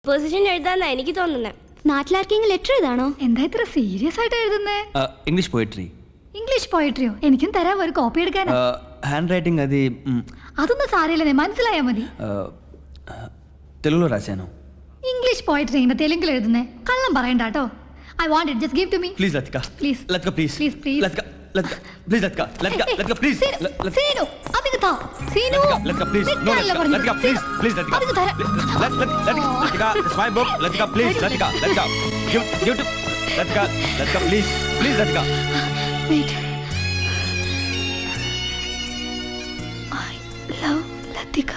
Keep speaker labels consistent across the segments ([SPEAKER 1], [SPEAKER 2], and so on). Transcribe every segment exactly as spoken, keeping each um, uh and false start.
[SPEAKER 1] Position എഴുതാന്നാ എനിക്ക് തോന്നുന്നത്.
[SPEAKER 2] നാട്ടിലാർക്കെങ്കിലും ലെറ്റർ എഴുതാണോ?
[SPEAKER 3] എന്താ ഇത്ര സീരിയസ് ആയിട്ട് എഴുതുന്നേ?
[SPEAKER 4] English poetry.
[SPEAKER 3] ഇംഗ്ലീഷ് പോയട്രിയോ? എനിക്കും തരാം, ഒരു കോപ്പി എടുക്കാനാ.
[SPEAKER 4] హ్యాండ్ రైటింగ్ అది
[SPEAKER 3] അതൊന്നും സാരമില്ലെന്നേ, മനസ്സിലായാ മതി.
[SPEAKER 4] తెలుగులో రాశాను.
[SPEAKER 3] ഇംഗ്ലീഷ് പോയട്രി ഇങ്ങനെ തെലുങ്കിൽ എഴുതുന്നേ? കള്ളം പറയണ്ട കേട്ടോ. I want it, just give to me.
[SPEAKER 4] Please Latika,
[SPEAKER 3] please
[SPEAKER 4] Latika please
[SPEAKER 3] please please
[SPEAKER 4] Latika, Latika please Latika, Latika, Latika please
[SPEAKER 3] Seenu അതിന് താ. Seenu
[SPEAKER 4] Latika please, no Latika please, please Latika,
[SPEAKER 3] അതിന് തരാം.
[SPEAKER 4] Latika it's my book. Latika please, Latika, Latika give give to Latika, Latika please, please Latika.
[SPEAKER 3] Wait. I love Latika.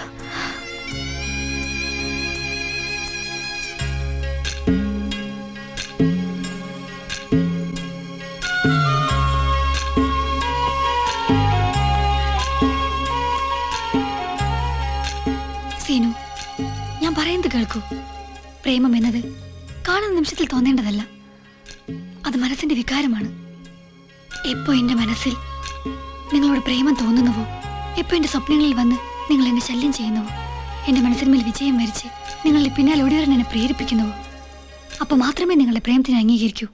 [SPEAKER 3] Seenu, ഞാൻ പറയുന്നത് കേൾക്കൂ. പ്രേമം എന്നത് കാണുന്ന നിമിഷത്തിൽ തോന്നേണ്ടതല്ല, അത് മനസ്സിന്റെ വികാരമാണ്. എപ്പോ എന്റെ മനസ്സിൽ നിങ്ങളോട് പ്രേമം തോന്നുന്നുവോ, എപ്പോ എന്റെ സ്വപ്നങ്ങളിൽ വന്ന് നിങ്ങൾ എന്നെ ശല്യം ചെയ്യുന്നുവോ, എന്റെ മനസ്സിന്മേൽ വിജയം വരിച്ച് നിങ്ങളുടെ പിന്നാലെ ഓടിവരാൻ എന്നെ പ്രേരിപ്പിക്കുന്നുവോ, അപ്പൊ മാത്രമേ നിങ്ങളുടെ പ്രേമത്തിനെ അംഗീകരിക്കൂ.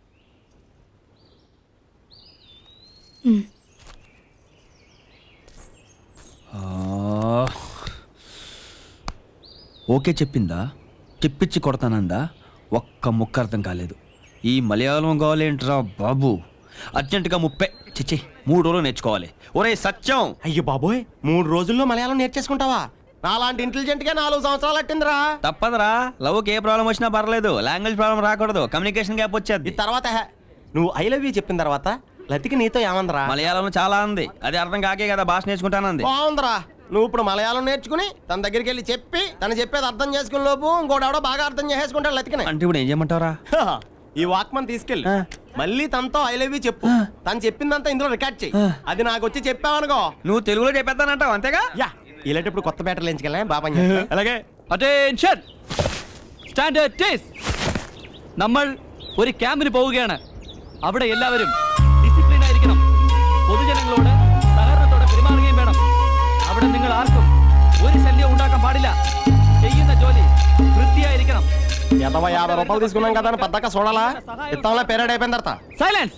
[SPEAKER 4] ఓకే చెప్పిందా, చెప్పించి కొడతానందా? ఒక్క ముక్క అర్థం కాలేదు. ఈ మలయాళం కావాలేంట్రా బాబు? అర్జెంటుగా ముప్పై చిచ్చి మూడు రోజులు నేర్చుకోవాలి. ఒరే సత్యం!
[SPEAKER 5] అయ్యో బాబోయ్, మూడు రోజుల్లో మలయాళం నేర్చేసుకుంటావా? నాలాంటి ఇంటెలిజెంట్ గా నాలుగు సంవత్సరాలు అట్టిందిరా.
[SPEAKER 4] తప్పదురా, లవ్కి ఏ ప్రాబ్లం వచ్చినా పర్లేదు, లాంగ్వేజ్ ప్రాబ్లం రాకూడదు, కమ్యూనికేషన్ గ్యాప్ వచ్చేది.
[SPEAKER 5] ఈ తర్వాత హే, నువ్వు ఐ లవ్ యూ చెప్పిన తర్వాత లతికి నీతో ఏమందరా?
[SPEAKER 4] మలయాళం చాలా ఉంది, అది అర్థం కాకే కదా భాష నేర్చుకుంటానంది.
[SPEAKER 5] బాగుందిరా. నువ్వు ఇప్పుడు మలయాళం నేర్చుకుని తన దగ్గరికి వెళ్ళి చెప్పి తను చెప్పేది అర్థం చేసుకునే లోపు ఇంకోటి ఎవడో బాగా అర్థం చేసేసుకుంటాడు లతికిని.
[SPEAKER 4] అంటే ఇప్పుడు ఏం చేయమంటారా?
[SPEAKER 5] ఈ వాక్మన్ తీసుకెళ్ళి మళ్ళీ తనతో ఐ లవ్ యూ చెప్పు. తను చెప్పిందంతా ఇందులో రికార్డ్ చెయ్యి. అది నాకు వచ్చి చెప్పావనుకో,
[SPEAKER 4] నువ్వు తెలుగులో చెప్పేస్తానంటావు అంతేగా?
[SPEAKER 5] యా ఇలాంటప్పుడు కొత్త బ్యాటర్లు ఎంచుకెళ్ళా బాబా.
[SPEAKER 4] అలాగే.
[SPEAKER 6] അറ്റൻഷൻ, സ്റ്റാൻഡേർഡ് ടേസ്. നമ്മൾ ഒരു ക്യാമ്പിന് പോവുകയാണ്. അവിടെ എല്ലാവരും ഡിസിപ്ലിൻ ആയിരിക്കണം. പൊതുജനങ്ങളോട് സഹകരണത്തോടെ പെരുമാറുകയും വേണം. അവിടെ നിങ്ങൾ ആർക്കും ഒരു ശല്യം ഉണ്ടാക്കാൻ പാടില്ല. ചെയ്യുന്ന ജോലി വൃത്തിയായിരിക്കണം.
[SPEAKER 5] యాభై యాభై రూపాయలు తీసుకున్నాం కదా అని పద్దాక చూడాలా? ఇత్తంలో పెరేడ్ అయిపోయిన తర్వాత
[SPEAKER 6] సైలెన్స్.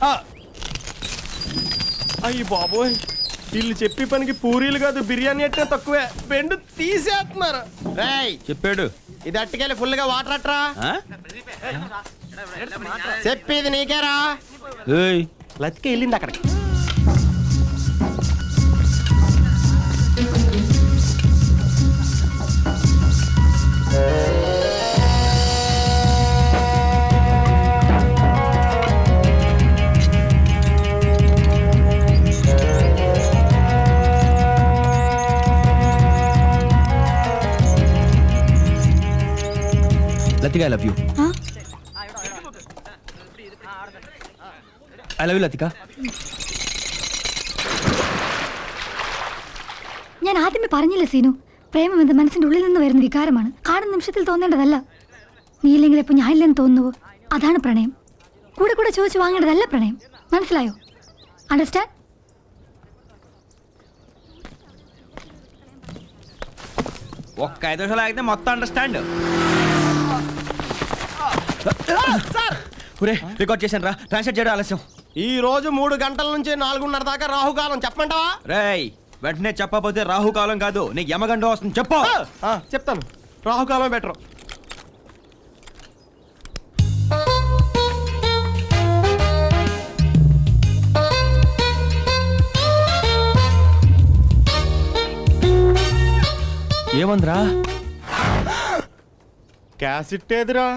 [SPEAKER 5] అయ్యి బాబోయ్, వీళ్ళు చెప్పి పనికి పూరీలు కాదు బిర్యానీ అంటే తక్కువే, బెండు తీసేస్తున్నారు. రేయ్
[SPEAKER 4] చెప్పాడు.
[SPEAKER 5] ఇది అట్టుకెళ్ళి ఫుల్ గా వాటర్ అట్రా. చెప్పేది నీకేరా. లతిక వెళ్ళింది అక్కడికి.
[SPEAKER 4] Latika, I love you. I love you Latika.
[SPEAKER 3] ഞാൻ ആദ്യമേ പറഞ്ഞില്ല സീനു, പ്രേമം എന്നത് മനസ്സിന്റെ ഉള്ളിൽ നിന്ന് വരുന്ന വികാരമാണ്, കാണുന്ന നിമിഷത്തിൽ തോന്നേണ്ടതല്ല. നീ ഇല്ലെങ്കിൽ ഇപ്പൊ ഞാൻ ഇല്ലെന്ന് തോന്നുവോ, അതാണ് പ്രണയം. കൂടെ കൂടെ ചോദിച്ചു വാങ്ങേണ്ടതല്ല പ്രണയം, മനസ്സിലായോ? അണ്ടർസ്റ്റാൻഡ്?
[SPEAKER 4] ఒక్క ఐదు నిమిషాలు ఆగితే మొత్తం అండర్స్టాండ్. రికార్డ్ చేశాను రా, ట్రాన్స్లేట్ చేయడం ఆలస్యం.
[SPEAKER 5] ఈ రోజు మూడు గంటల నుంచి నాలుగున్నర దాకా రాహుకాలం, చెప్పమంటావా?
[SPEAKER 4] రేయ్ వెంటనే చెప్పకపోతే రాహుకాలం కాదు, నీకు యమగండం వస్తుంది. చెప్పు.
[SPEAKER 5] చెప్తాను, రాహుకాలం బెటర్.
[SPEAKER 4] ఏమందిరా?
[SPEAKER 5] క్యాసెట్ ఏదిరా?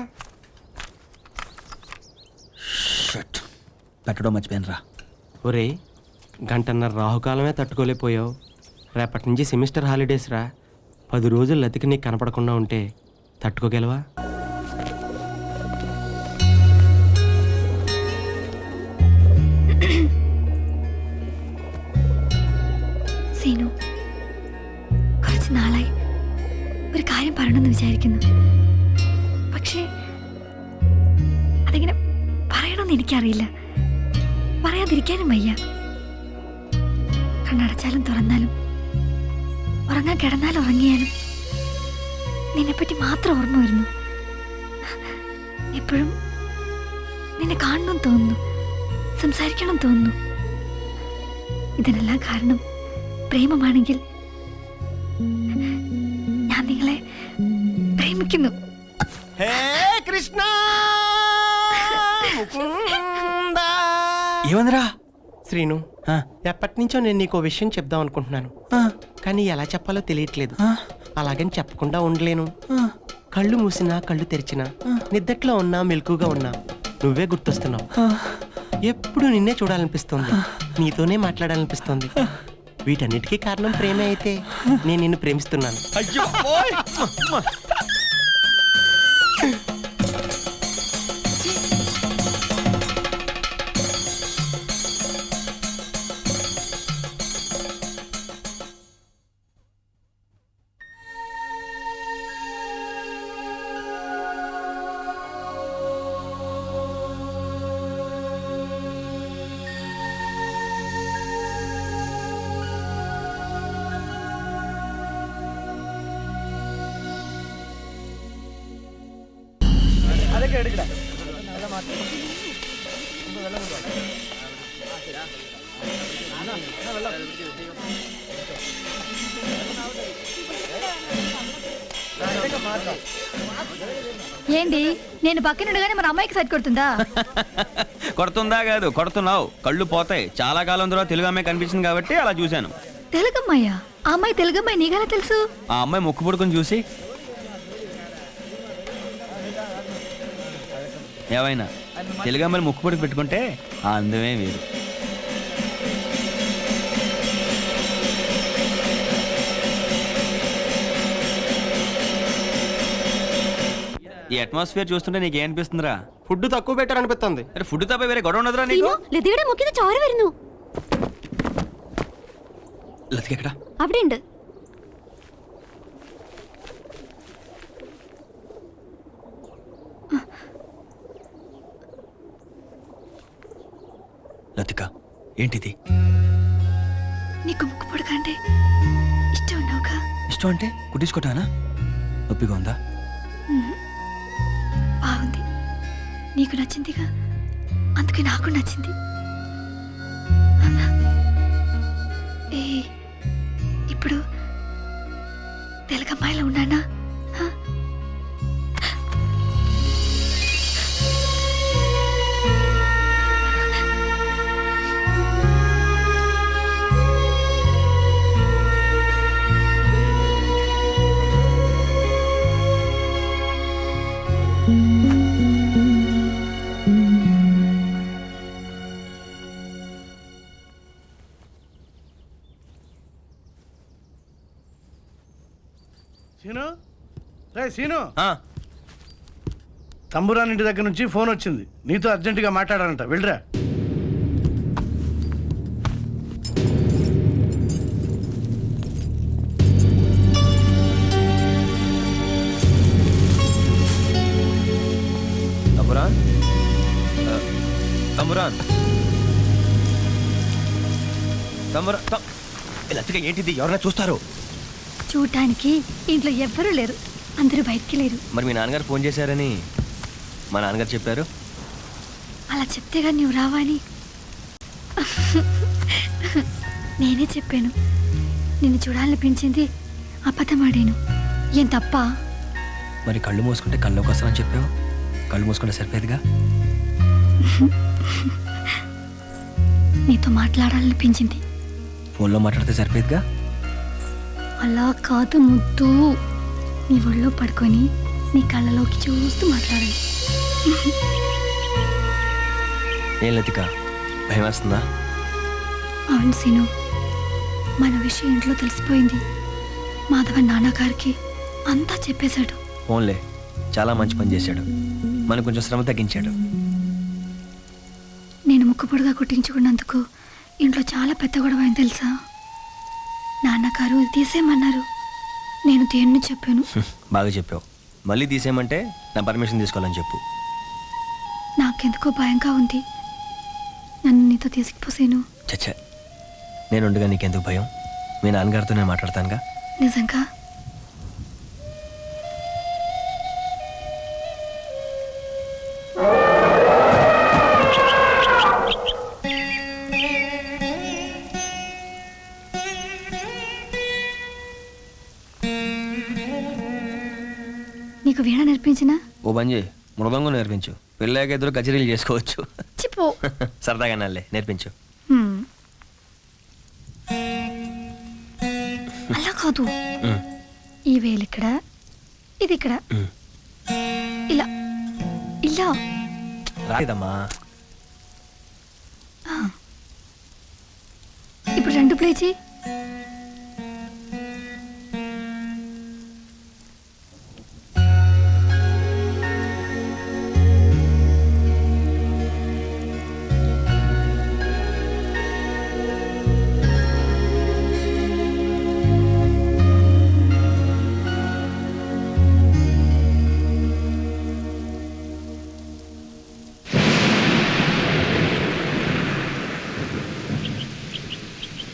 [SPEAKER 4] పెట్టడం మర్చిపోయాను రా.
[SPEAKER 5] ఒరే, గంటన్నర రాహుకాలమే తట్టుకోలేకపోయావు. రేపటి నుంచి సెమిస్టర్ హాలిడేస్ రా. పది రోజులు లతికి నీకు కనపడకుండా ఉంటే తట్టుకోగలవా?
[SPEAKER 3] സീനു, കുറച്ച് നാളായി ഒരു കാര്യം പറയണമെന്ന് വിചാരിക്കുന്നു. പക്ഷേ അതെങ്ങനെ പറയണമെന്ന് എനിക്കറിയില്ല, പറയാതിരിക്കാനും വയ്യ. കണ്ണടച്ചാലും തുറന്നാലും ഉറങ്ങാൻ കിടന്നാലും ഉറങ്ങിയാലും നിന്നെപ്പറ്റി മാത്രം ഓർമ്മ വരുന്നു. എപ്പോഴും നിന്നെ കാണണം തോന്നുന്നു, സംസാരിക്കണം തോന്നുന്നു. ഇതിനെല്ലാം കാരണം പ്രേമമാണെങ്കിൽ ഞാൻ നിങ്ങളെ പ്രേമിക്കുന്നു.
[SPEAKER 5] హే కృష్ణ ముకుంద.
[SPEAKER 4] ఏమందిరా?
[SPEAKER 5] శ్రీను, ఎప్పటి నుంచో నేను నీకు విషయం చెప్దాం అనుకుంటున్నాను, కానీ ఎలా చెప్పాలో తెలియట్లేదు. అలాగని చెప్పకుండా ఉండలేను. కళ్ళు మూసినా కళ్ళు తెరిచినా, నిద్దట్లో ఉన్నా మెలకుగా ఉన్నా నువ్వే గుర్తొస్తున్నావు. ఎప్పుడు నిన్నే చూడాలనిపిస్తోంది, నీతోనే మాట్లాడాలనిపిస్తోంది. వీటన్నిటికీ కారణం ప్రేమే అయితే నేను నిన్ను ప్రేమిస్తున్నాను.
[SPEAKER 4] అయ్యో
[SPEAKER 3] ఏంటి నేను పక్కనుండగానే మన అమ్మాయికి సైట్ కొడుతుందా?
[SPEAKER 4] కొడుతుందా కాదు, కొడుతున్నావు. కళ్ళు పోతాయి. చాలా కాలం తర్వాత తెలుగు అమ్మాయి కనిపించింది కాబట్టి అలా చూశాను.
[SPEAKER 3] తెలుగమ్మాయ్యా? ఆ అమ్మాయి తెలుగమ్మాయి నీకెలా తెలుసు?
[SPEAKER 4] ఆ అమ్మాయి ముక్కు పుడుకుని చూసి ఏవైనా తెలుగు అమ్మాయిని ముక్కు పుడుకు పెట్టుకుంటే ఆ అందమే వేరు. ఈ అట్మాస్ఫియర్ చూస్తుంటే నీకు ఏమనిపిస్తుందిరా?
[SPEAKER 5] ఫుడ్ తక్కువ పెట్టారనిపిస్తుంది.
[SPEAKER 4] అరే ఫుడ్ తప్ప వేరే గొడవ ఉండదురా నీకు?
[SPEAKER 2] ലതികയുടെ മുക്കിന് ചോര വരുന്നു.
[SPEAKER 4] లతిక ఎక్కడ?
[SPEAKER 2] അവിടെ ഉണ്ട്.
[SPEAKER 4] లతిక ఏంటిది?
[SPEAKER 3] నీకు ముక్కు పొడకంటే ఇష్టం ఉన్నావుగా?
[SPEAKER 4] ఇష్టం అంటే కుట్టించుకోటానా? నొప్పిగా ఉందా?
[SPEAKER 3] బాగుంది, నీకు నచ్చిందిగా, అందుకే నాకు నచ్చింది. ఏ ఇప్పుడు తెలుగమ్మాయిలో ఉన్నానా?
[SPEAKER 7] సీను, రే సీను,
[SPEAKER 4] ఆ,
[SPEAKER 7] తంబురాన్ ఇంటి దగ్గర నుంచి ఫోన్ వచ్చింది. నీతో అర్జెంటుగా మాట్లాడాలంట, వెళ్ళరా.
[SPEAKER 4] తమ్మురాన్, ఆ, తమ్మురాన్, తమ్మురా, తం- ఏ లతిక ఏంటిది? ఎవరైనా చూస్తారు?
[SPEAKER 3] చూడటానికి ఇంట్లో ఎవ్వరూ లేరు, అందరూ బయటికి లేరు.
[SPEAKER 4] మరి మీ నాన్నగారు ఫోన్ చేశారని మా నాన్నగారు చెప్పారు.
[SPEAKER 3] అలా చెప్తే కానీ నువ్వు రావా అని నేనే చెప్పాను. నిన్ను చూడాలనిపించింది, అబద్ధమాడాను. ఏం తప్ప?
[SPEAKER 4] మరి కళ్ళు మూసుకుంటే కళ్ళలోకి వస్తానని చెప్పావు. కళ్ళు మూసుకుంటే సరిపోయేదిగా.
[SPEAKER 3] నీతో మాట్లాడాలనిపించింది.
[SPEAKER 4] ఫోన్లో మాట్లాడితే సరిపోయేదిగా.
[SPEAKER 3] అలా కాదు ముద్దు, నీ ఒళ్ళో పడుకొని నీ కళ్ళలోకి చూస్తూ మాట్లాడాలి.
[SPEAKER 4] ఏం లతిక, భయం వేస్తుందా?
[SPEAKER 3] అవును సీను, మన విషయం ఇంట్లో తెలిసిపోయింది. మాధవన్ నాన్నగారికి అంతా చెప్పేశాడు.
[SPEAKER 4] ఫోన్లే, చాలా మంచి పని చేశాడు. మనకు కొంచెం శ్రమ తగ్గించాడు.
[SPEAKER 3] నేను ముక్కుపొడిగా కుట్టించుకున్నందుకు ఇంట్లో చాలా పెద్ద గొడవ అయింది తెలుసా? నాన్నగారు ఇది తీసేయమన్నారు. నేను దేన్ని చెప్పాను.
[SPEAKER 4] బాగా చెప్పావు. మళ్ళీ తీసేయమంటే నా పర్మిషన్ తీసుకోవాలని చెప్పు.
[SPEAKER 3] నాకెందుకో భయంగా ఉంది. నన్ను నీతో తీసుకుపోసేను.
[SPEAKER 4] చచ్చా, నేను ఉండగా నీకెందుకు భయం? మీ నాన్నగారితో నేను మాట్లాడతానుగా.
[SPEAKER 3] నిజంగా? నేర్పించినా
[SPEAKER 4] ఓ పని చేయి మృదంగం నేర్పించు పెళ్ళాక ఇద్దరు కచేరీలు చేసుకోవచ్చు
[SPEAKER 3] చిపో
[SPEAKER 8] సరదాగా నల్లే నేర్పించు.
[SPEAKER 3] హ్మ్. అలా కాదు
[SPEAKER 8] ఉమ్,
[SPEAKER 3] ఈ వేలు ఇక్కడ ఇది ఇక్కడ
[SPEAKER 8] ఉమ్.
[SPEAKER 3] ఇలా ఇలా
[SPEAKER 8] రాలేదమ్మా.
[SPEAKER 3] ఇప్పుడు రెండు ప్లే చేయి